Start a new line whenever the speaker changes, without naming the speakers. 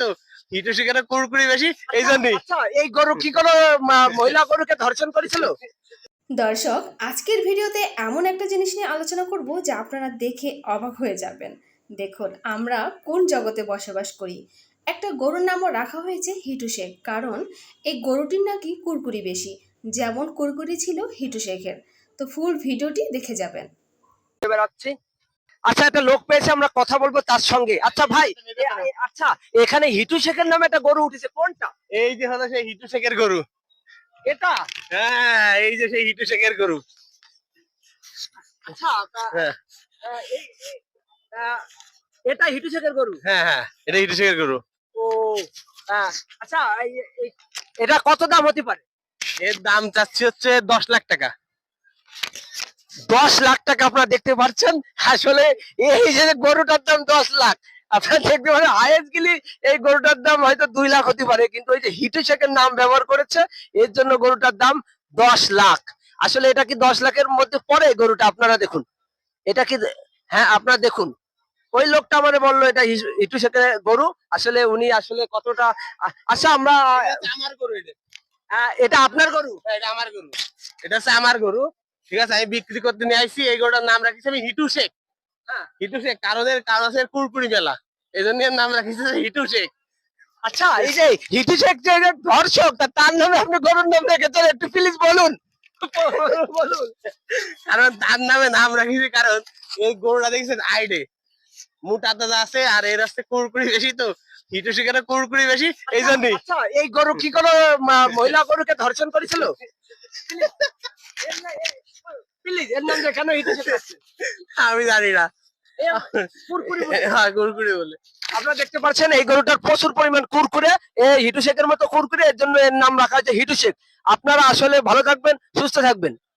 তো হিটু শেখের কুরকুরি বেশি, এই জন্যই।
আচ্ছা, এই গরু কি কোনো মহিলা গরুকে ধর্ষণ করেছিল?
দর্শক, আজকের ভিডিওতে এমন একটা জিনিস নিয়ে আলোচনা করব যা আপনারা দেখে অবাক হয়ে যাবেন। দেখুন, আমরা কোন জগতে বসবাস করি। একটা গরুর নামও রাখা হয়েছে হিটু শেখ, কারণ এই গরুটির নাকি কুরকুরি বেশি, যেমন কুরকুরি ছিল হিটু শেখের। তো ফুল ভিডিওটি দেখে যাবেন।
বেড়াচ্ছি। আচ্ছা, একটা লোক পেয়েছে, আমরা কথা বলবো তার সঙ্গে। আচ্ছা ভাই, আচ্ছা এখানে হিটু শেখের নামে একটা গরু উঠেছে, কোনটা?
এই যে হলো সেই হিটু শেখের গরু।
এটা?
হ্যাঁ, এই যে সেই হিটু শেখের গরু।
আচ্ছা,
হ্যাঁ
এটা হিটু শেখের গরু?
হ্যাঁ হ্যাঁ, এটা হিটু শেখের গরু।
ও, আচ্ছা, এটা কত দাম হতে পারে?
এর দাম চাচ্ছি হচ্ছে 10 লাখ টাকা।
10 লাখ টাকা? আপনারা দেখতে পাচ্ছেন, আসলে এই যে গরুটার দাম 10 লাখ। আপনারা দেখতে পারেন হাইয়েস্ট গেলে এই গরুটার দাম হয়তো 2 লাখ হতে পারে, কিন্তু এই যে হিটু শেখের নাম ব্যবহার করেছে, এর জন্য গরুটার দাম 10 লাখ। আসলে এটা কি 10 লাখের মধ্যে পড়ে গরুটা? আপনারা দেখুন, এটা কি, হ্যাঁ আপনারা দেখুন, ওই লোকটা আমারে বললো এটা হিটু শেখের গরু। আসলে উনি আসলে কতটা আচ্ছা, আমরা
আমার গরু এটা।
এটা আপনার গরু?
হ্যাঁ, এটা আমার গরু। এটা হচ্ছে আমার গরু। ঠিক আছে, আমি বিক্রি করতে নিয়ে আইছি। এই গরুটার নাম রাখিছি আমি হিটু শেখ।
হ্যাঁ।
হিটু শেখ কারণ আছে কুরকুরি মেলা, এই জন্য এর নাম রাখিছি হিটু শেখ।
আচ্ছা, এই যে হিটু শেখ যে ধর্ষক, তার নামে আপনি গরুর নাম রেখেছেন, একটু প্লিজ বলুন। বলুন।
কারণ তার নামে নাম রাখিছি, কারণ এই গরুটা দেখছেন আইডে মোটা তাজা আছে, আর এর আছে কুরকুরি বেশি, তো হিটু শেখের কুরকুরি বেশি, এই জন্যই।
আচ্ছা, এই গরু কি কোনো মহিলা গরুকে ধর্ষণ করেছিল? প্লিজ, এর নাম যে কেন হিটু শেখ আছে?
আমি জানি না।
কুরকুরি বলে।
হ্যাঁ, কুরকুরি বলে।
আপনারা দেখতে পাচ্ছেন এই গরুটার প্রচুর পরিমাণ কুরকুরে, এই হিটু শেখের মতো কুরকুরে, এর জন্য এর নাম রাখা হয়েছে হিটু শেখ। আপনারা আসলে ভালো থাকবেন, সুস্থ থাকবেন।